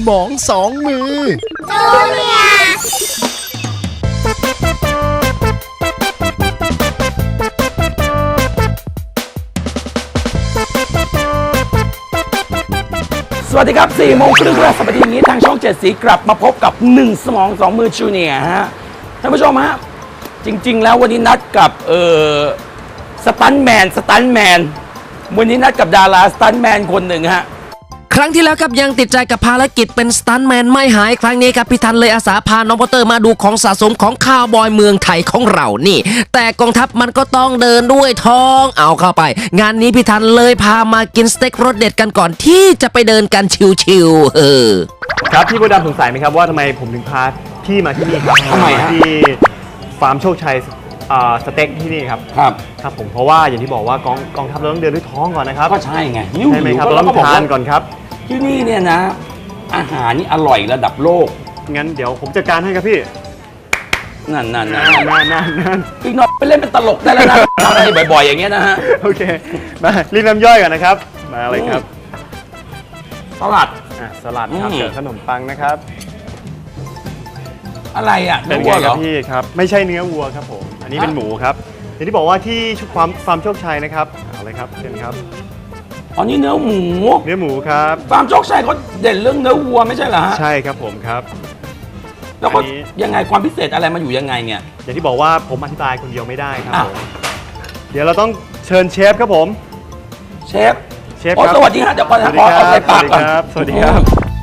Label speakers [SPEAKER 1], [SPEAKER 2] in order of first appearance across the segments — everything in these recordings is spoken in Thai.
[SPEAKER 1] มองสองมือ
[SPEAKER 2] จูเนียร์
[SPEAKER 3] สวัสดีครับ4 โมงครึ่งวันสัปดาห์นี้ทางช่อง7สีกลับมาพบกับ1 สมอง 2 มือจูเนียร์ฮะท่านผู้ชมฮะจริงๆแล้ววันนี้นัดกับสตันท์แมนวันนี้นัดกับดาราสตันท์แมนคนหนึ่งฮะ
[SPEAKER 4] ครั้งที่แล้วครับยังติดใจกับภารกิจเป็นสตันท์แมนไม่หายครั้งนี้ครับพี่ทันเลยอาสาพาน้องพอตเตอร์มาดูของสะสมของคาวบอยเมืองไทยของเรานี่แต่กองทัพมันก็ต้องเดินด้วยท้องเอาเข้าไปงานนี้พี่ทันเลยพามากินสเต็กรสเด็ดกันก่อนที่จะไปเดินกันชิวๆ
[SPEAKER 5] ครับพี่โบดำสงสัยไหมครับว่าทำไมผมถึงพาพี่มาที่นี่ครับ
[SPEAKER 3] ทำไมฮะ
[SPEAKER 5] ที่ฟาร์มโชคชัยสเต็กที่นี่ครับครับผมเพราะว่าอย่างที่บอกว่ากองทัพเราต้องเดินด้วยท้องก่อนนะครับ
[SPEAKER 3] ก็ใช่ไง
[SPEAKER 5] ใช่ไหมครับเราต้องทานก่อนครับ
[SPEAKER 3] ที่นี่เนี่ยนะอาหารนี่อร่อยระดับโลก
[SPEAKER 5] งั้นเดี๋ยวผมจัดการให้ครับพี่
[SPEAKER 3] นั่น
[SPEAKER 5] อี
[SPEAKER 3] กหน่อยไปเล่นเป็นตลกได้แล้วนะทำอะไรบ่อยๆอย่างเงี้ยนะฮะ
[SPEAKER 5] โอเคมารีบน้ำย่อยก่อนนะครับมาเลยครับ
[SPEAKER 3] สลัด
[SPEAKER 5] สลัดครับเจอขนมปังนะครับ
[SPEAKER 3] อะไรอ่ะ
[SPEAKER 5] เป็นวัวเหรอพี่ครับไม่ใช่เนื้อวัวครับผมอันนี้เป็นหมูครับอย่างที่บอกว่าที่ฟาร์มโชคชัยนะครับเอาเลยครับเชิญครับ
[SPEAKER 3] อันนี้เนื้อหมู
[SPEAKER 5] ครับ
[SPEAKER 3] ฟาร์มโชคชัยเขาเด่นเรื่องเนื้อวัวไม่ใช่เหรอฮะ
[SPEAKER 5] ใช่ครับผมครับ
[SPEAKER 3] แล้วก็ยังไงความพิเศษอะไรมาอยู่ยังไงเนี่ย
[SPEAKER 5] อย่างที่บอกว่าผมอธิบายคนเดียวไม่ได้ครับเดี๋ยวเราต้องเชิญเชฟครับผม
[SPEAKER 3] เชฟครับสวัสดีฮะเดี๋ยวก่อนนะขอเอาใส่ปากก่อน
[SPEAKER 5] สวัสดีครับ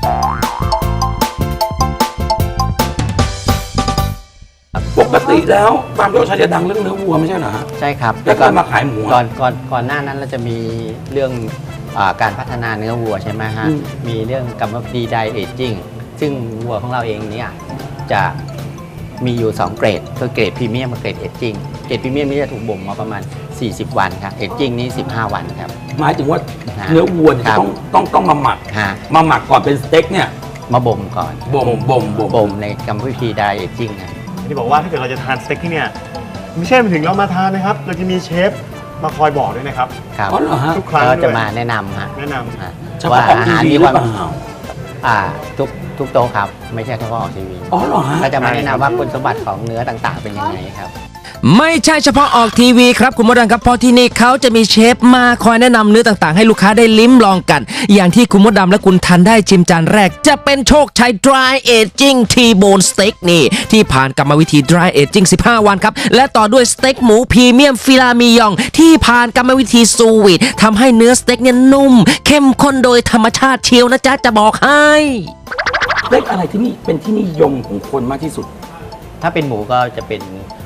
[SPEAKER 3] ปกติแล้วฟาร์มโชคชัยจะดังเรื่องเนื้อวัวไม่ใช่เหรอฮะ
[SPEAKER 6] ใช่ครับ
[SPEAKER 3] แล้วก็มาขายหมู
[SPEAKER 6] ก่อนหน้านั้นเราจะมีเรื่องการพัฒนาเนื้อวัวใช่ไหมฮะมีเรื่องกรรมวิธีไดเอจจิ้งซึ่งวัวของเราเองเนี่ยจะมีอยู่2เกรดคือเกรดพรีเมียมกับเกรดเอจจิ้งเกรดพรีเมียมนี่จะถูกบ่มมาประมาณ40 วันครับเอจจิ้งนี่15 วันครับ
[SPEAKER 3] หมายถึงว่าเนื้อวัวเนี่ยต้องมาหมักก่อนเป็นสเต็กเนี่ย
[SPEAKER 6] มาบ่มก่อน
[SPEAKER 3] บ่ม
[SPEAKER 6] ในกรรมวิธีไดเอจจิ้งนะ
[SPEAKER 5] ที่บอกว่าถ้าเกิดเราจะทานสเต็กที่เนี่ยไม่ใช่ถึงเรามาทานนะครับเราจะมีเชฟมาคอยบอกด้วยนะครับ
[SPEAKER 3] ครับ
[SPEAKER 5] ทุกครั้ง
[SPEAKER 6] จะมาแนะนำฮะ
[SPEAKER 3] ว่าอาหารมีความ
[SPEAKER 6] ทุกโต๊ะครับไม่ใช่เฉพาะออกทีวีก็จะมาแนะนำว่าคุณสมบัติของเนื้อต่างๆเป็นยังไงครับ
[SPEAKER 4] ไม่ใช่เฉพาะออกทีวีครับคุณมดดำครับเพราะที่นี่เขาจะมีเชฟมาคอยแนะนำเนื้อต่างๆให้ลูกค้าได้ลิ้มลองกันอย่างที่คุณมดดำและคุณทันได้ชิมจานแรกจะเป็นโชคชัย Dry Aging T-Bone Steak นี่ที่ผ่านกรรมวิธี Dry Aging 15 วันครับและต่อด้วยสเต็กหมูพรีเมียมฟิลามิยองที่ผ่านกรรมวิธีซูวีททำให้เนื้อสเต็กเนี่ยนุ่มเข้มข้นโดยธรรมชาติเชียวนะจ๊ะจะบอกให้
[SPEAKER 3] สเต็กอะไรที่นี่เป็นที่นิยมของคนมากที่สุด
[SPEAKER 6] ถ้าเป็นหมูก็จะเป็น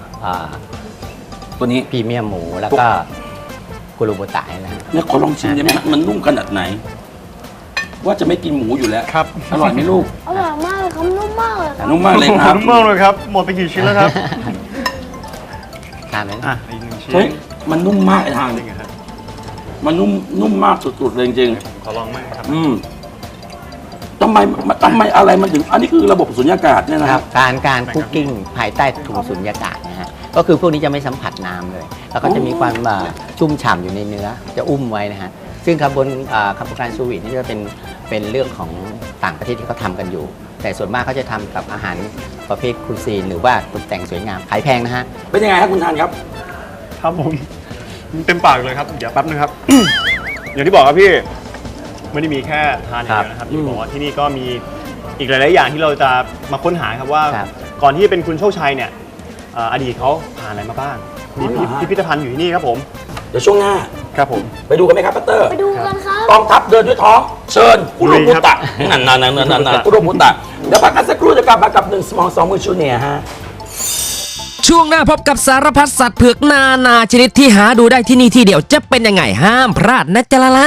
[SPEAKER 3] ตัวนี้
[SPEAKER 6] พรีเมียมหมูแล้วก็คุโรบุตะนะฮะ
[SPEAKER 3] เนี่ยขอลองชิมได้ไหมมันนุ่มขนาดไหนว่าจะไม่กินหมูอยู่แล้วครับอร่อยไหมลูก
[SPEAKER 2] อร่อยมากเลยครับนุ่มมากเลย
[SPEAKER 3] นุ่มมากเลยครับ
[SPEAKER 5] นุ่มมากเลยครับหมดไปกี่ชิ้นแล้วครับ
[SPEAKER 6] ทานไหม
[SPEAKER 5] อีก1 ชิ้น
[SPEAKER 3] เฮ้ยมันนุ่มมากไอ้ทางมันนุ่มมากสุดๆเลยจริง
[SPEAKER 5] ขอลองมั้ยครับ
[SPEAKER 3] ทำไมอะไรมันถึงอันนี้คือระบบสุญญากาศเนี่ยนะครับ
[SPEAKER 6] การคุกกิ้งภายใต้ถุงสุญญากาศนะฮะก็คือพวกนี้จะไม่สัมผัสน้ำเลยแล้วก็จะมีความชุ่มฉ่ำอยู่ในเนื้อจะอุ้มไว้นะฮะซึ่งกระบวนการซูวีทนี่จะเป็นเรื่องของต่างประเทศที่เขาทำกันอยู่แต่ส่วนมากเขาจะทำกับอาหารประเภทคูซีนหรือว่าตกแต่งสวยงามขายแพงนะฮะ
[SPEAKER 3] เป็นยังไงครับคุณทานครับ
[SPEAKER 5] ครับผมเต็มปากเลยครับเดี๋ยวแป๊บนึงครับ อย่างที่บอกครับพี่ไม่ได้มีแค่ทานอย่างเดียวนะครับที่บอกว่าที่นี่ก็มีอีกหลายๆอย่างที่เราจะมาค้นหาครับว่าก่อนที่จะเป็นคุณโชคชัยเนี่ยอดีตเขาผ่านอะไรมาบ้างมีพิพิธภัณฑ์อยู่ที่นี่ครับผม
[SPEAKER 3] เดี๋ยวช่วงหน้า
[SPEAKER 5] ครับผม
[SPEAKER 3] ไปดูกันไหมครับปัตเตอร์
[SPEAKER 2] ไปดูกันครับ
[SPEAKER 3] กองทัพเดินด้วยท้องเชิญคุโรบุตะนั่นคุโรบุตะเดี๋ยวพักกันสักครู่จะกลับมากับ1 สมอง 2 มือจูเนียร์ฮะ
[SPEAKER 4] ช่วงหน้าพบกับสารพัดสัตว์เผือกนาชนิดที่หาดูได้ที่นี่ที่เดียวจะเป็นยังไงห้ามพลาดนะจ๊ะละ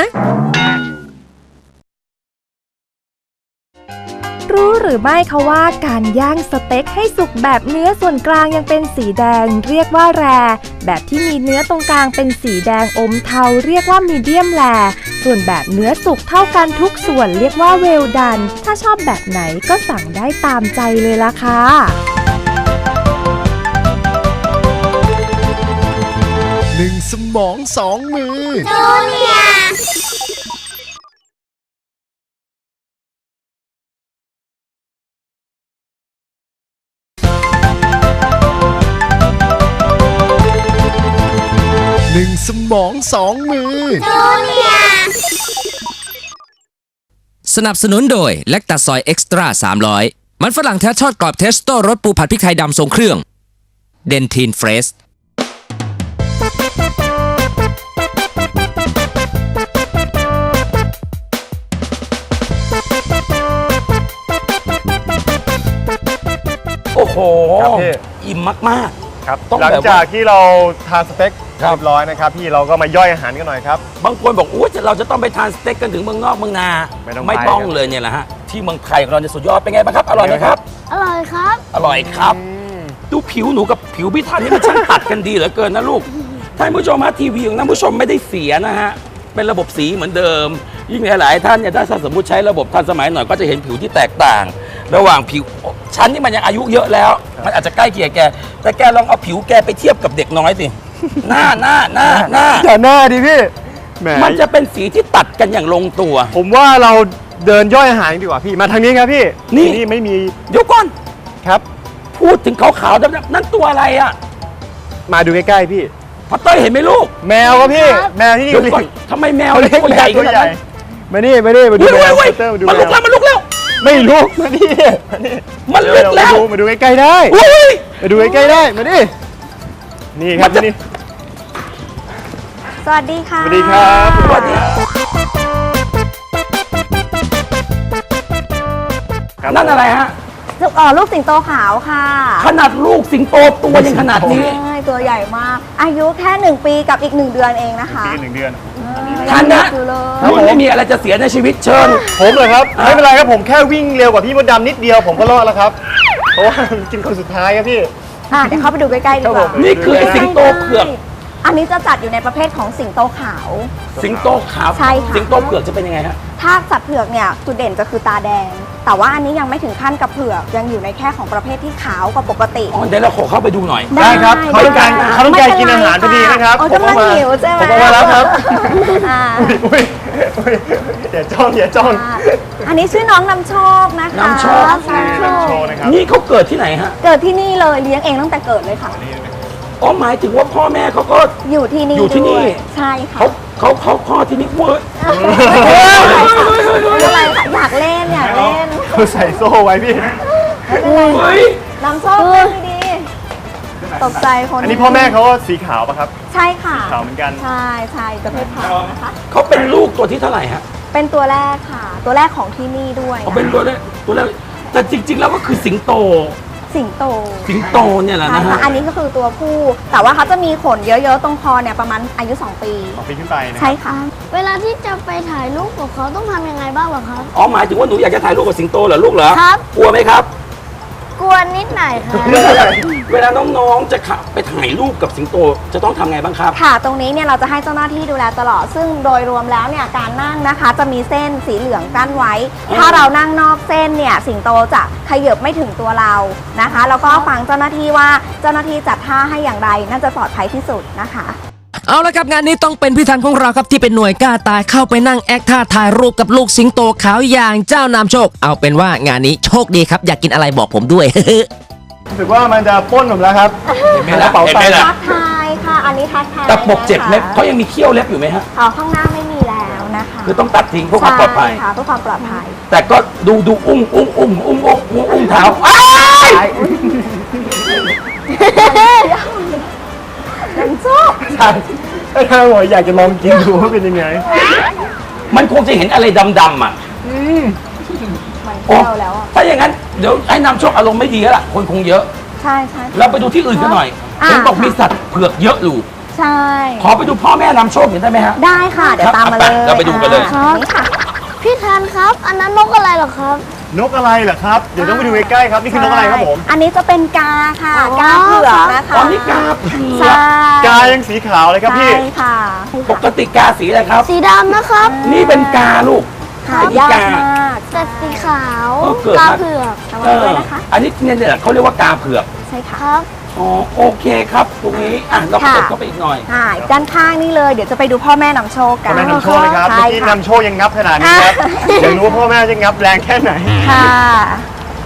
[SPEAKER 7] รู้หรือไม่คะว่าการย่างสเต็กให้สุกแบบเนื้อส่วนกลางยังเป็นสีแดงเรียกว่าแรร์แบบที่มีเนื้อตรงกลางเป็นสีแดงอมเทาเรียกว่ามีเดียมแรร์ส่วนแบบเนื้อสุกเท่ากันทุกส่วนเรียกว่าเวลดันถ้าชอบแบบไหนก็สั่งได้ตามใจเลยล่ะค่ะ
[SPEAKER 1] 1 สมอง 2 มือ
[SPEAKER 2] จูเนียร์
[SPEAKER 1] สมองสองมือ
[SPEAKER 2] จูเนียร์
[SPEAKER 4] สนับสนุนโดยแลคตาซอยเอ็กซ์ตร้า300มันฝรั่งแท้ทอดกรอบเทสโต้รสปูผัดพริกไทยดำทรงเครื่องเดนทีนเฟรช
[SPEAKER 3] โอ้โห
[SPEAKER 5] ครับพี่
[SPEAKER 3] อิ่มมาก
[SPEAKER 5] ครับ
[SPEAKER 3] ต้อง
[SPEAKER 5] หลัง
[SPEAKER 3] แบบว่า
[SPEAKER 5] จากที่เราทานสเต็ก
[SPEAKER 3] ครับ
[SPEAKER 5] เรียบร้อยนะครับพี่เราก็มาย่อยอาหารกันหน่อยครับ
[SPEAKER 3] ๆ บางคนบอกอุ้ยเราจะต้องไปทานสเต็กกันถึงเมืองนอกเมืองนา
[SPEAKER 5] ไม่ต้อง
[SPEAKER 3] ไม่
[SPEAKER 5] ไป
[SPEAKER 3] ต้อง
[SPEAKER 5] ครับ
[SPEAKER 3] เลยเนี่ยแหละฮะที่เมืองไทยของเราเนี่ยสุดยอดเป็นไงบ้างครับอร่อยไหมครับ
[SPEAKER 2] อร่อยครับ
[SPEAKER 3] อร่อยครับ ดูผิวหนูกับผิวพี่ทันนี่มันช่างตัดกันดีเหลือเกินนะลูกท่านผู้ชมฮะทีวีของท่านผู้ชมไม่ได้เสียนะฮะเป็นระบบสีเหมือนเดิม ยิ่งหลายๆท่านเนี่ยถ้าสมมติใช้ระบบทันสมัยหน่อยก็จะเห็นผิวที่แตกต่าง ระหว่างผิวฉันนี่มันยังอายุเยอะแล้ว มันอาจจะใกล้เคียงแกแต่แกลองเอาผิวแกไปเทียบกับเด็กน้อยสิหน้า
[SPEAKER 5] อย่าหน้าดิพี่แหม
[SPEAKER 3] มันจะเป็นสีที่ตัดกันอย่างลงตัว
[SPEAKER 5] ผมว่าเราเดินย่อยอาหารดีกว่าพี่มาทางนี้ครับพี่
[SPEAKER 3] นี่
[SPEAKER 5] ที่ไม่มี
[SPEAKER 3] เดี๋ยวก่อน
[SPEAKER 5] ครับ
[SPEAKER 3] พูดถึงขาวๆดำๆนั่นตัวอะไรอ่ะ
[SPEAKER 5] มาดูใกล้ๆพี่
[SPEAKER 3] พอเต้ยเห็นไหมลูก
[SPEAKER 5] แมวครับพี่ แมวที่นี่
[SPEAKER 3] เดี๋ยวก่อนทำไมแมวเล็กตัวใหญ่ขนาดนั้น
[SPEAKER 5] มานี่มานี่มาดู
[SPEAKER 3] เฮ้ย
[SPEAKER 5] แมว
[SPEAKER 3] เฮ้ย
[SPEAKER 5] เตอร์มาดู
[SPEAKER 3] มัน
[SPEAKER 5] แม
[SPEAKER 3] ลุก
[SPEAKER 5] ว
[SPEAKER 3] แล้วมันลุกแล้ว
[SPEAKER 5] ไม่ลุกมานี่มานี่
[SPEAKER 3] มันลุกแล้ว
[SPEAKER 5] มาดูใกล้ๆได้
[SPEAKER 3] เฮ้ย
[SPEAKER 5] มาดูใกล้ๆได้มานี่นี่ครับ
[SPEAKER 3] มันจะ
[SPEAKER 5] นี่
[SPEAKER 7] สวัสดีค่ะ
[SPEAKER 5] สวัสดีครับ
[SPEAKER 3] สวัสดี
[SPEAKER 5] ครับ
[SPEAKER 3] นั่นอะไรฮะ
[SPEAKER 7] ลูกสิงโตขาวค่ะ
[SPEAKER 3] ขนาดลูกสิงโตตัวยังขนาดนี้
[SPEAKER 7] ใช่ตัวใหญ่มาก อายุแค่ 1 ปีกับอีก 1 เดือนเองนะคะ
[SPEAKER 5] ปีหนึ่งเดือน
[SPEAKER 3] ทันนะ
[SPEAKER 7] อยู่เลย
[SPEAKER 3] รุ่นไม่มีอะไรจะเสียในชีวิตเชิญ
[SPEAKER 5] ผมเลยครับไม่เป็นไรครับผมแค่วิ่งเร็วกว่าพี่มดดำนิดเดียวผมก็รอดแล้วครับเพราะว่ากินคนสุดท้ายครับพี่
[SPEAKER 7] เดี๋ยวเข้าไปดูใกล้ๆดีก
[SPEAKER 5] ครั
[SPEAKER 7] ว่า
[SPEAKER 5] บผม
[SPEAKER 3] นี่คือไอ้สิงโตเผือก
[SPEAKER 7] อันนี้จะจัดอยู่ในประเภทของสิงโตขาว
[SPEAKER 3] สิงโตขาว
[SPEAKER 7] ใช่ค่ะ
[SPEAKER 3] สิงโตเผือกจะเป็นยังไงฮะ
[SPEAKER 7] ถ้าสัตว์เผือกเนี่ยจุดเด่นจะคือตาแดง แต่ว่าอันนี้ยังไม่ถึงขั้นกับเผือกยังอยู่ในแค่ของประเภทที่ขาวกว่าปกติ
[SPEAKER 3] อ๋อเดี๋ยวเราขอเข้าไปดูหน่อย
[SPEAKER 5] ได้ครับ
[SPEAKER 7] ได้
[SPEAKER 5] เขาต้องการ
[SPEAKER 7] ได้
[SPEAKER 5] เขาต้องการกินอาหารพอดีนะครับ
[SPEAKER 7] โอ้
[SPEAKER 5] ผม
[SPEAKER 7] กำลั
[SPEAKER 5] เอา
[SPEAKER 7] ง
[SPEAKER 5] มา
[SPEAKER 7] หิวใช่ไหม
[SPEAKER 5] ผมเอามาแล้วครับ
[SPEAKER 7] อ่า
[SPEAKER 5] อุ้ยอย่าจ้องอย่าจ้อง
[SPEAKER 7] อันนี้ชื่อน้องนำโชคนะคะ
[SPEAKER 3] นำโชค
[SPEAKER 7] นำโช
[SPEAKER 5] โช
[SPEAKER 7] ค
[SPEAKER 5] ว์นะครับ
[SPEAKER 3] นี่เขาเกิดที่ไหนฮะ
[SPEAKER 7] เกิดที่นี่เลยเลี้ยงเองตั้งแต่เกิดเลยค่ะ
[SPEAKER 3] อ๋อหมายถึงว่าพ่อแม่เขาก็
[SPEAKER 7] อยู่ที่นี่
[SPEAKER 3] อยู่ที่นี่
[SPEAKER 7] ด้วยใช่ค่ะ
[SPEAKER 3] เขาพ่อที่นี่เว้ย
[SPEAKER 7] ไม่เป็นไรค่ะอยากเล่นอยากเล่น
[SPEAKER 5] เขาใส่โซ่ไว้พี่
[SPEAKER 7] ไม่เป็นไร
[SPEAKER 3] เฮ้ย
[SPEAKER 7] นำโชคเล่นดีๆตกใจคน
[SPEAKER 5] อันนี้พ่อแม่เขาสีขาวปะครับ
[SPEAKER 7] ใช่ค่ะ
[SPEAKER 5] ขาวเหมือนกัน
[SPEAKER 7] ใช่ใช่ประเภทขาวนะคะ
[SPEAKER 3] เขาเป็นลูกตัวที่เท่าไหร่ฮะ
[SPEAKER 7] เป็นตัวแรกค่ะ ตัวแรกของที่นี่ด้วย
[SPEAKER 3] เขาเป็นตัวแรกแต่จริง ๆ แล้วก็คือสิงโต
[SPEAKER 7] สิงโต
[SPEAKER 3] สิงโตเนี่ยแหละ
[SPEAKER 7] ใช่
[SPEAKER 3] นะ
[SPEAKER 7] ค่ะ
[SPEAKER 3] ฮะ
[SPEAKER 7] อันนี้ก็คือตัวผู้ แต่ว่าเขาจะมีขนเยอะๆตรงคอเนี่ยประมาณอายุ 2 ปี
[SPEAKER 5] 2 ปีขึ้นไปนะ
[SPEAKER 7] ใช่ค่ะ
[SPEAKER 2] เวลาที่จะไปถ่ายรูปกับเขาต้องทำยังไงบ้างเหรอครับ
[SPEAKER 3] อ๋อหมายถึงว่าหนูอยากจะถ่ายรูปกับสิงโตเหรอลูกเหรอ
[SPEAKER 2] ครับ
[SPEAKER 3] กลัวไหมครับ
[SPEAKER 2] กลัวนิดหน่อยครับ
[SPEAKER 3] เวลาน้องๆจะขับไปถ่ายรูปกับสิงโตจะต้องทำไงบ้างครับ
[SPEAKER 7] ค่ะ ตรงนี้เนี่ยเราจะให้เจ้าหน้าที่ดูแลตลอด ซึ่งโดยรวมแล้วเนี่ยการนั่งนะคะจะมีเส้นสีเหลืองกั้นไว้ ถ้าเรานั่งนอกเส้นเนี่ยสิงโตจะขยับไม่ถึงตัวเรานะคะ แล้วก็ฟังเจ้าหน้าที่ว่าเจ้าหน้าที่จัดท่าให้อย่างไรน่าจะปลอดภัยที่สุดนะคะ
[SPEAKER 4] เอาละครับงานนี้ต้องเป็นพี่ทันของเราครับที่เป็นหน่วยกล้าตายเข้าไปนั่งแอคท่าถ่ายรูปกับลูกสิงโตขาวอย่างเจ้านำโชค เอาเป็นว่างานนี้โชคดีครับอยากกินอะไรบอกผมด้วย
[SPEAKER 5] รู้สึกว่ามันจะปล้นผมแล้วครับ
[SPEAKER 3] เห็นไหมล่ะ
[SPEAKER 5] กระเป๋า
[SPEAKER 3] เห็นไหม
[SPEAKER 5] ตังค์
[SPEAKER 3] ล่ะ
[SPEAKER 7] ทักทายค่ะ อันนี้ทักทาย
[SPEAKER 3] แต่ปกเจ็บเล็บ
[SPEAKER 7] นะคะ
[SPEAKER 3] เขายังมีเขี้ยวเล็บอยู่ไหมฮะ
[SPEAKER 7] ข้างหน้าไม่มีแล้วนะคะ
[SPEAKER 3] คือต้องตัดทิ้งเพื่อความปลอดภัย
[SPEAKER 7] ใช่ค่ะเพื่อความปลอดภัย
[SPEAKER 3] แต่ก็ดูอุ้มเท้าอ้าย
[SPEAKER 7] นำโชค
[SPEAKER 5] ใช่ถ้าบอกอยากจะลองกินดูว่าเป็นยังไง
[SPEAKER 3] มันคงจะเห็นอะไรดำๆอ่ะ
[SPEAKER 7] มันเที่ยวแล้วอ่ะ
[SPEAKER 3] ถ้าอย่างนั้นเดี๋ยวให้นำโชคอารมณ์ไม่ดีแล้วล่ะคนคงเยอะ
[SPEAKER 7] ใช่ใช่
[SPEAKER 3] เราไปดูที่อื่นกันหน่อย
[SPEAKER 7] อ่า
[SPEAKER 3] เห็นบอกมีสัตว์เผือกเยอะอยู่
[SPEAKER 7] ใช่
[SPEAKER 3] ขอไปดูพ่อแม่นำโชคหน่อยได้ไหมฮะ
[SPEAKER 7] ได้ค่ะ เดี๋ยวตามมาเลย
[SPEAKER 3] เราไปดูกันเลย
[SPEAKER 7] นี่ค่ะ
[SPEAKER 2] พี่ทันครับ อันนั้นนกอะไรเหรอครับ
[SPEAKER 5] นกอะไรเหรอครับ เดี๋ยวต้องไปดูใกล้ๆครับ นี่คือนกอะไรครับผม
[SPEAKER 7] อันนี้จะเป็นกาค่ะ
[SPEAKER 2] อ๋อ
[SPEAKER 7] กาเผือกนะคะ
[SPEAKER 3] ตอนนี้กาเผือ
[SPEAKER 7] ใช่
[SPEAKER 3] ก
[SPEAKER 5] กายังสีขาวเลยครับพี่
[SPEAKER 7] ใช่ค่ะ
[SPEAKER 3] ปกติกาสีอะไรครับ
[SPEAKER 2] สีดำนะครับ
[SPEAKER 3] นี่เป็นกาลูก
[SPEAKER 7] หา
[SPEAKER 3] ไอ้นี่
[SPEAKER 7] ยาก
[SPEAKER 3] กา
[SPEAKER 7] มาก
[SPEAKER 2] แต่สีขาว
[SPEAKER 3] เกิด
[SPEAKER 2] ตา
[SPEAKER 3] มา
[SPEAKER 2] เผือก
[SPEAKER 7] ระวังด้วยนะคะ
[SPEAKER 3] อันนี้เนี่ยเขาเรียกว่ากาเผือก
[SPEAKER 7] ใช่ค่ะ
[SPEAKER 2] ครับ
[SPEAKER 3] อ๋อโอเคครับตรงนี้อ่ะเรา
[SPEAKER 7] ค่ะ
[SPEAKER 3] กดเข้าไปอีกหน่อย
[SPEAKER 7] ด้านข้างนี่เลย เดี๋ยวจะไปดูพ่อแม่นำโชคกั
[SPEAKER 5] พ่อน แม่นำโชคนะครับ
[SPEAKER 7] ใช่
[SPEAKER 5] เมื่อกี้
[SPEAKER 7] ค่ะ
[SPEAKER 5] นำโชคยังงับขนาดนี้ครับ
[SPEAKER 7] อ่ะ
[SPEAKER 5] อยากรู้ว่าพ่อแม่จะงับแรงแค่ไหน
[SPEAKER 7] ค่ะ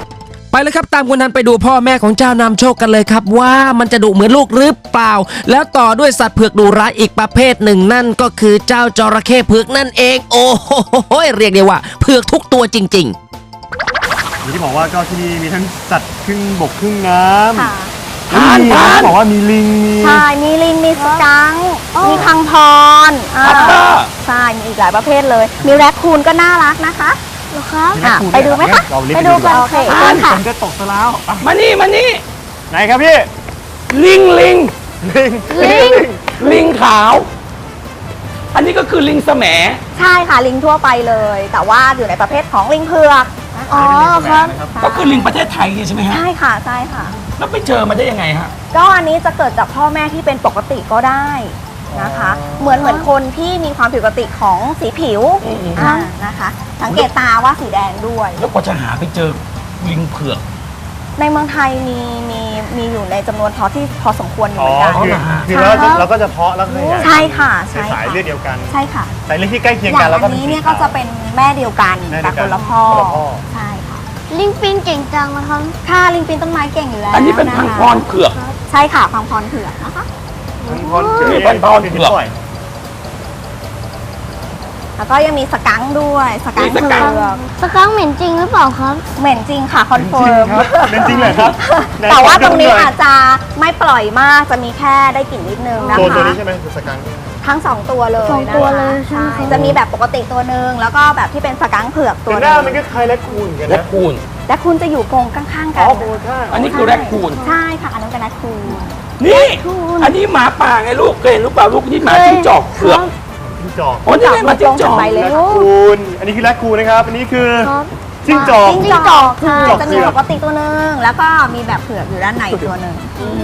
[SPEAKER 4] ไปเลยครับตามคุณทันไปดูพ่อแม่ของเจ้านำโชคกันเลยครับว่ามันจะดุเหมือนลูกหรือเปล่าแล้วต่อด้วยสัตว์เผือกดุร้ายอีกประเภทหนึ่งนั่นก็คือเจ้าจระเข้เผือกนั่นเองโอ้โหเรียกได้ว่าเผือกทุกตัวจริงๆ
[SPEAKER 5] อย่างที่บอกว่าก็ที่นี่มีทั้งสัตว์ครึ่งบกครึ่งน้ำ
[SPEAKER 7] ค่ะ
[SPEAKER 5] แล้วมีบอกว่ามีลิงมี
[SPEAKER 7] ใช่มีลิงมีสกังค์มีพังพรใช่มีอีกหลายประเภทเลยมีแรคคูนก็น่ารักนะคะ
[SPEAKER 2] เหรอครับ
[SPEAKER 7] ไปดูไหมคะ
[SPEAKER 5] เรารีบ
[SPEAKER 7] ไป
[SPEAKER 5] ไป
[SPEAKER 7] ดู
[SPEAKER 5] ดู
[SPEAKER 7] กันโอเคเชิญค่ะ
[SPEAKER 5] ผมจะตกซะแล้วอ่ะ
[SPEAKER 3] มานี่
[SPEAKER 5] ไหนครับพี่
[SPEAKER 3] ลิง
[SPEAKER 5] ลิง
[SPEAKER 3] ลิงขาว อันนี้ก็คือลิงแสม
[SPEAKER 7] ใช่ค่ะลิงทั่วไปเลย แต่ว่าอยู่ในประเภทของลิงเผือกนะคะ
[SPEAKER 2] อ๋อครับ
[SPEAKER 3] ก็คือลิงประเทศไทยเนี่ยใช่ไหมฮะ
[SPEAKER 7] ใช่ค่ะใช่ค่ะ
[SPEAKER 3] แล้วไปเจอมาได้ยังไงฮะ
[SPEAKER 7] ก็อันนี้จะเกิดจากพ่อแม่ที่เป็นปกติก็ได้นะคะ เหมือนคนที่มีความผิดปกติของสีผิวนะคะ สังเกตตาว่าสีแดงด้วย
[SPEAKER 3] แล้วกว่าจะหาไปเจอลิงเผือก
[SPEAKER 7] ในเมืองไทยมีอยู่ในจำนวนที่พอสมควรอยู่
[SPEAKER 5] อ๋
[SPEAKER 7] เห
[SPEAKER 5] อ
[SPEAKER 7] มือนกัน
[SPEAKER 5] คือเราก็จะเพาะแล้วก็ขยาย
[SPEAKER 7] ใช่ค่ะ
[SPEAKER 5] ใน
[SPEAKER 7] ใช่
[SPEAKER 5] สาย
[SPEAKER 7] ค่ะ
[SPEAKER 5] เลือดเดียวกัน
[SPEAKER 7] ใช่ค่ะ
[SPEAKER 5] สายเลือดที่ใกล้เคียง
[SPEAKER 7] อย่า
[SPEAKER 5] กัน
[SPEAKER 7] ง
[SPEAKER 5] แล้วก็
[SPEAKER 7] อันนี้เนี่ยก็จะเป็นแม่เดียวกัน
[SPEAKER 5] แม่เดี
[SPEAKER 7] แต่
[SPEAKER 5] ยว
[SPEAKER 7] ค
[SPEAKER 5] กัน
[SPEAKER 7] นละพ่อ
[SPEAKER 5] คนละพ่อ
[SPEAKER 7] ใช่ค่ะ
[SPEAKER 2] ลิงปินเก่งจังนะครับ
[SPEAKER 7] ค่ะลิงปีนต้นไม้เก่งอยู่แล้ว
[SPEAKER 3] อันนี้เป็น
[SPEAKER 7] ะ
[SPEAKER 3] พัง
[SPEAKER 7] คะ
[SPEAKER 3] พรเผือก
[SPEAKER 7] ใช่ค่ะพังพรเผือกนะคะ
[SPEAKER 3] นี่เป็นพรเผือก
[SPEAKER 7] แล้วก็ยังมีสกังค์ด้วยสกังค์
[SPEAKER 3] มีส
[SPEAKER 7] เผื
[SPEAKER 3] กังค์
[SPEAKER 7] อก
[SPEAKER 2] สกังค์เหม็นจริงหรือเปล่าครับ
[SPEAKER 7] เหม็นจริงค่ะคอน
[SPEAKER 5] จ
[SPEAKER 7] เฟิ
[SPEAKER 5] ริง
[SPEAKER 7] ร์ม
[SPEAKER 5] ครับเป็นจริงเลยครับไหน
[SPEAKER 7] แต่ว่า
[SPEAKER 5] ข
[SPEAKER 7] ต
[SPEAKER 5] อ
[SPEAKER 7] รง
[SPEAKER 5] ดู
[SPEAKER 7] นี้
[SPEAKER 5] หน่ย
[SPEAKER 7] อาจจะไม่ปล่อยมากจะมีแค่ได้กลิ่นนิดนึงนะคะ
[SPEAKER 5] ตัวนี้ใช่ไหมคือสกังค์
[SPEAKER 7] ทั้งสองตัวเลย
[SPEAKER 2] สองตัว
[SPEAKER 7] นะคะ
[SPEAKER 2] เลยใช่ไหมคะ
[SPEAKER 7] จะมีแบบปกติตัวหนึ่งแล้วก็แบบที่เป็นสกังค์เผือกตัว
[SPEAKER 5] แต่
[SPEAKER 7] ห
[SPEAKER 5] ห
[SPEAKER 7] นึ
[SPEAKER 5] น้าง มันก็คล้ายแรคคูนกัน
[SPEAKER 3] และ
[SPEAKER 5] นะ
[SPEAKER 3] คูน
[SPEAKER 7] และคุณจะอยู่กรงข้างๆกัน
[SPEAKER 3] อันนี้คือแรคคูน
[SPEAKER 7] ใช่ค่ะอันนั้นเป็นแรคคูน
[SPEAKER 3] นี่ อันนี้หมาป่าไงลูกเคยเห็นหรือเปล่าลูกนี่หมาจิ้งจอกเผือก
[SPEAKER 5] จิ้งจอก
[SPEAKER 3] โอ้นี่ไงหมาจิ้งจอก
[SPEAKER 7] ไปเลย
[SPEAKER 5] แรค
[SPEAKER 7] ลูก
[SPEAKER 5] คูนอันนี้คือแรคคูนนะครับ อันนี้คือ
[SPEAKER 2] ครับ
[SPEAKER 5] จิ้งจอก
[SPEAKER 7] จิ้งจอกค่ะ
[SPEAKER 5] จิ้งจอก
[SPEAKER 7] จะมีปกติตัวหนึ่งแล้วก็มีแบบเผือกอยู่ด้านในตัวหนึ่ง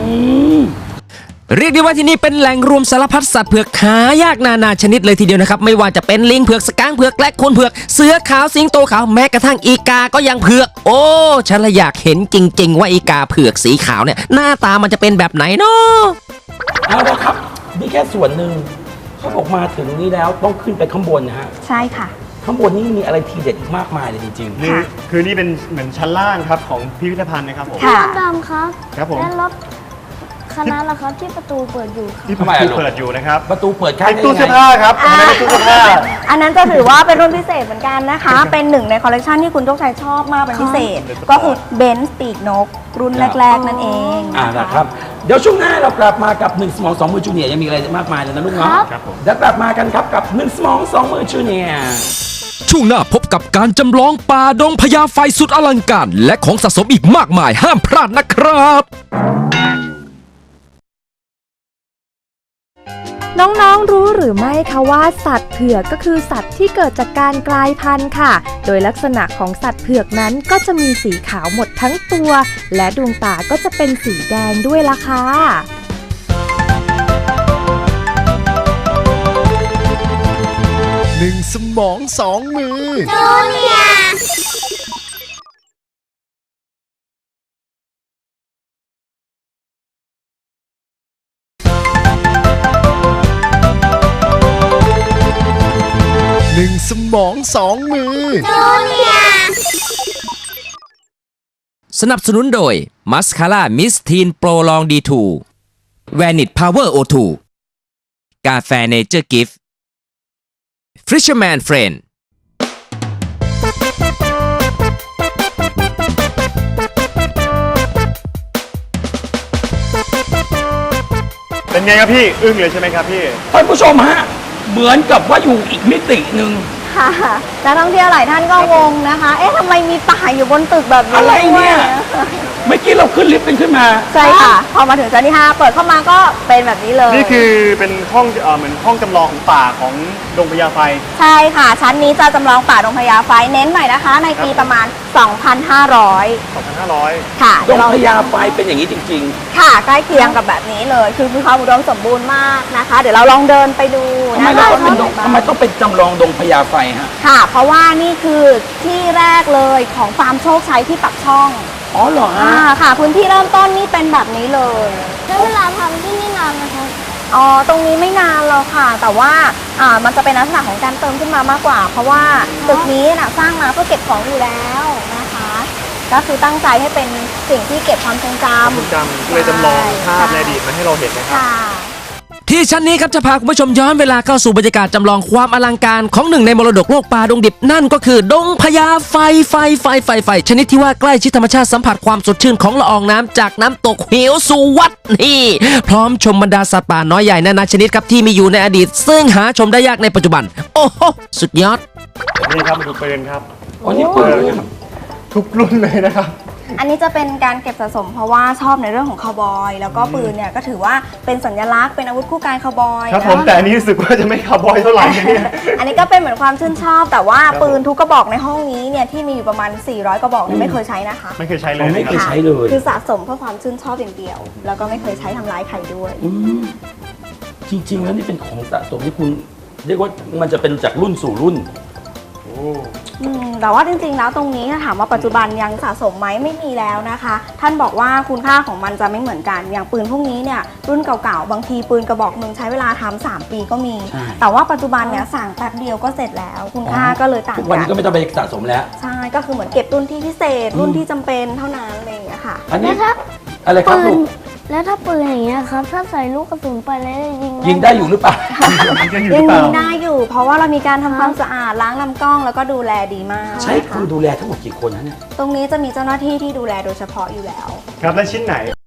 [SPEAKER 4] เรียกได้ว่าที่นี่เป็นแหล่งรวมสารพัดสัตว์เผือกหายากนานาชนิดเลยทีเดียวนะครับไม่ว่าจะเป็นลิงเผือกสกังค์เผือกและคนเผือกเสือขาวสิงโตขาวแม้กระทั่งอีกาก็ยังเผือกโอ้ฉันละอยากเห็นจริง ๆ ว่าอีกาเผือกสีขาวเนี่ยหน้าตามันจะเป็นแบบไหนเนาะ
[SPEAKER 3] เอาละครับ นี่แค่ส่วนหนึ่งเขาบอกมาถึงนี้แล้วต้องขึ้นไปข้างบนนะฮะ
[SPEAKER 7] ใช่ค่ะ
[SPEAKER 3] ข้างบนนี่มีอะไรทีเด็ดอีกมากมายเลยจริง
[SPEAKER 5] นี่คือนี่เป็นเหมือนชั้นล่างครับของพิพิธภัณฑ์นะครับผม
[SPEAKER 7] ค่ะ
[SPEAKER 2] รถดำครับ
[SPEAKER 5] ครับผม
[SPEAKER 2] และรถคณะละครับที่ประตูเปิดอยู่ครับ
[SPEAKER 5] ที่
[SPEAKER 3] ทำไมอะลูก
[SPEAKER 5] เปิดอยู่นะครับ
[SPEAKER 3] ๆ ประตูเปิดข้าง
[SPEAKER 5] เป็น
[SPEAKER 3] ได้
[SPEAKER 5] ตู้
[SPEAKER 3] ยัง
[SPEAKER 5] เสื้อ
[SPEAKER 3] ไง
[SPEAKER 5] ผ้าครับอันนั้นเป็นตู้เสื้อผ้า
[SPEAKER 7] อันนั้นจะถือว่าเป็นรุ่นพิเศษเหมือนกันนะคะ เป็นหนึ่งในคอลเลกชันที่คุณโชคชัยชอบมากเป็นพิเศษ ก็คือเบนซ์ปีกนก รุ่นแรก ๆ นั่นเอง
[SPEAKER 3] นะครับ เดี๋ยวช่วงหน้าเรากลับมากับ1สมอง2มือจูเนียร์ยังมีอะไรมากมายเลยนะลูกเนาะ
[SPEAKER 5] ครับผม
[SPEAKER 3] เดี๋ยวกลับมากันครับกับ1สมอง2มือจูเนียร์
[SPEAKER 4] ช่วงหน้าพบกับการจำลองป่าดงพญาไฟสุดอลังการและของสะสมอีกมากมายห้ามพลาดนะครับ
[SPEAKER 7] น้องๆรู้หรือไม่คะว่าสัตว์เผือกก็คือสัตว์ที่เกิดจากการกลายพันธุ์ค่ะ โดยลักษณะของสัตว์เผือกนั้นก็จะมีสีขาวหมดทั้งตัว และดวงตาก็จะเป็นสีแดงด้วยล่ะค่ะ
[SPEAKER 1] หนึ่งสมองสองมือ หนึ่งสมองสองมือ
[SPEAKER 4] สนับสนุนโดยมัสคาร่ามิสทีนโปรลองดีทูแวนิตพาวเวอร์โอทูกาแฟเนเจอร์กิฟต์ฟิชเชอร์แมนเฟรนด์
[SPEAKER 5] เป็นไงครับพี่ อึ้งเลยใช่ไหมครับพี่
[SPEAKER 3] ท่านผู้ชมฮะ เหมือนกับว่าอยู่อีกมิติหนึ่ง
[SPEAKER 7] ค่ะนักท่องเที่ยวหลายท่านก็งงนะคะ เอ๊ะทำไมมีป่าอยู่บนตึกแบบนี้
[SPEAKER 3] อะไรเนี่ย
[SPEAKER 7] ด้วย
[SPEAKER 3] เมื่อกี้เราขึ้นลิฟต์กันขึ้นมา
[SPEAKER 7] ใช่ค่ะ พอมาถึงชั้นที่ 5 เปิดเข้ามาก็เป็นแบบนี้เลย
[SPEAKER 5] นี่คือเป็นห้องเหมือนห้องจำลองของป่าของดงพญาไฟ
[SPEAKER 7] ใช่ค่ะ ชั้นนี้จะจำลองป่าดงพญาไฟเน้นหน่อยนะคะ ในปีประมาณ 2,500
[SPEAKER 5] 2,500
[SPEAKER 7] ค่ะ
[SPEAKER 3] ด
[SPEAKER 7] เดี๋ยว
[SPEAKER 3] ง
[SPEAKER 7] เรา
[SPEAKER 3] พญาไฟเป็นอย่างนี้จริง
[SPEAKER 7] ค่ะใกล้เคียงกับแบบนี้เลย คือมีความอุดมสมบูรณ์มากนะคะ เดี๋ยวเราลองเดินไปดู
[SPEAKER 3] ๆทำไม
[SPEAKER 7] นะคะ
[SPEAKER 3] เราต้องเป็นดงทำไมต้องเป็นจำลองดงพญาไฟฮะ
[SPEAKER 7] ค่ะ เพราะว่านี่คือที่แรกเลยของฟาร์มโชคชัยที่ปักช่อง
[SPEAKER 3] อ๋อเหรอฮะ
[SPEAKER 7] ค่ะ พื้นที่เริ่มต้นนี่เป็นแบบนี้เลย
[SPEAKER 2] แล้วเวลาทำที่นี่นานไหมครับ
[SPEAKER 7] อ๋อ ตรงนี้ไม่นานหรอกค่ะ แต่ว่ามันจะเป็นลักษณะของการเติมขึ้นมามากกว่า เพราะว่าตึกนี้นะสร้างมาเพื่อเก็บของอยู่แล้วนะคะ
[SPEAKER 8] ก็คือตั้งใจให้เป็นสิ่งที่เก็บความทรงจำ
[SPEAKER 5] จำเลยจำลองภาพในอดีตมาให้เราเห็นนะครับ
[SPEAKER 8] ค่ะ
[SPEAKER 4] ที่ชั้นนี้ครับจะพาคุณผู้ชมย้อนเวลาเข้าสู่บรรยากาศจำลองความอลังการของหนึ่งในมรดกโลกป่าดงดิบนั่นก็คือดงพญาไฟชนิดที่ว่าใกล้ชิดธรรมชาติสัมผัสความสดชื่นของละอองน้ำจากน้ำตกเหวสุวัตนี่พร้อมชมบรรดาสัตว์ป่าน้อยใหญ่นานาชนิดครับที่มีอยู่ในอดีต ซึ่งหาชมได้ยากในปัจจุบัน โอ้โหสุดยอด
[SPEAKER 5] นี่ครับดูปืนครับ
[SPEAKER 3] อ๋อนี่ปืน
[SPEAKER 5] ทุกรุ่นเลยนะครับ
[SPEAKER 8] อันนี้จะเป็นการเก็บสะสมเพราะว่าชอบในเรื่องของคาวบอยแล้วก็ปืนเนี่ยก็ถือว่าเป็นสัญลักษณ์เป็นอาวุธคู่กายคาวบอย
[SPEAKER 5] ครับ
[SPEAKER 8] นะ
[SPEAKER 5] ผมแต่อันนี้รู้สึกว่าจะไม่คาร์บอยเท่าไหร่นะเนี่ย
[SPEAKER 8] อันนี้ก็เป็นเหมือนความชื่นชอบ แต่ว่าปืนทุกกระบอกในห้องนี้เนี่ยที่มีอยู่ประมาณ 400 กระบอกเนี่ยไม่เคยใช้นะคะ
[SPEAKER 5] ไม่เคยใช้เล
[SPEAKER 3] เรา
[SPEAKER 5] ย
[SPEAKER 3] ไม่
[SPEAKER 5] นะ
[SPEAKER 3] เคย
[SPEAKER 5] ครับ
[SPEAKER 3] ใช้เลย
[SPEAKER 8] คือสะสมเพื่อความชื่นชอบอย่างเดียว แล้วก็ไม่เคยใช้ทำร้ายใครด้วย
[SPEAKER 3] อืมจริง ๆ แล้วนี่เป็นของสะสมที่คุณเรียกว่ามันจะเป็นจากรุ่นสู่รุ่น
[SPEAKER 8] แต่ว่าจริงๆแล้วตรงนี้ถ้าถามว่าปัจจุบันยังสะสมไหมไม่มีแล้วนะคะ ท่านบอกว่าคุณค่าของมันจะไม่เหมือนกัน อย่างปืนพวกนี้เนี่ยรุ่นเก่าๆบางทีปืนกระบอกหนึ่งใช้เวลาทำ3 ปีก็มี
[SPEAKER 3] ใช่
[SPEAKER 8] แต่ว่าปัจจุบันเนี่ยสั่งแป๊บเดียวก็เสร็จแล้ว คุณค่าก็เลยต่าง
[SPEAKER 3] ทุกวัน
[SPEAKER 8] กั
[SPEAKER 3] นี้
[SPEAKER 8] น
[SPEAKER 3] ก็ไม่ต้องไปสะสมแล้ว
[SPEAKER 8] ใช่ก็คือเหมือนเก็บรุ่นที่พิเศษรุ่นที่จำเป็นเท่านั้นอะไรอย่างเงี้ยค่ะ
[SPEAKER 3] อันนี้
[SPEAKER 2] แล้วถ้า
[SPEAKER 3] อะไรครับ
[SPEAKER 2] ปื
[SPEAKER 3] ลู
[SPEAKER 2] น
[SPEAKER 3] ก
[SPEAKER 2] แล้วถ้าปืนอย่างเงี้ยครับ ถ้าใส่ลูกกระสุนไปแล้วยิง
[SPEAKER 3] ยิงได้อยู่หรือเปล่า
[SPEAKER 5] มันจะอยู่ห
[SPEAKER 8] ยั
[SPEAKER 5] รื
[SPEAKER 8] ง
[SPEAKER 5] อเป
[SPEAKER 8] ยิ
[SPEAKER 5] ล่า
[SPEAKER 8] งได้อยู่ เพราะว่าเรามีการทำความสะอาดล้างลำกล้องแล้วก็ดูแลดีมาก
[SPEAKER 3] ใช้
[SPEAKER 8] นะ
[SPEAKER 3] คน
[SPEAKER 8] คะ
[SPEAKER 3] ดูแลทั้งหมดกี่คนนะเนี่ย
[SPEAKER 8] ตรงนี้จะมีเจ้าหน้าที่ที่ดูแลโดยเฉพาะอยู่แล้ว
[SPEAKER 5] ครับและชิ้นไหน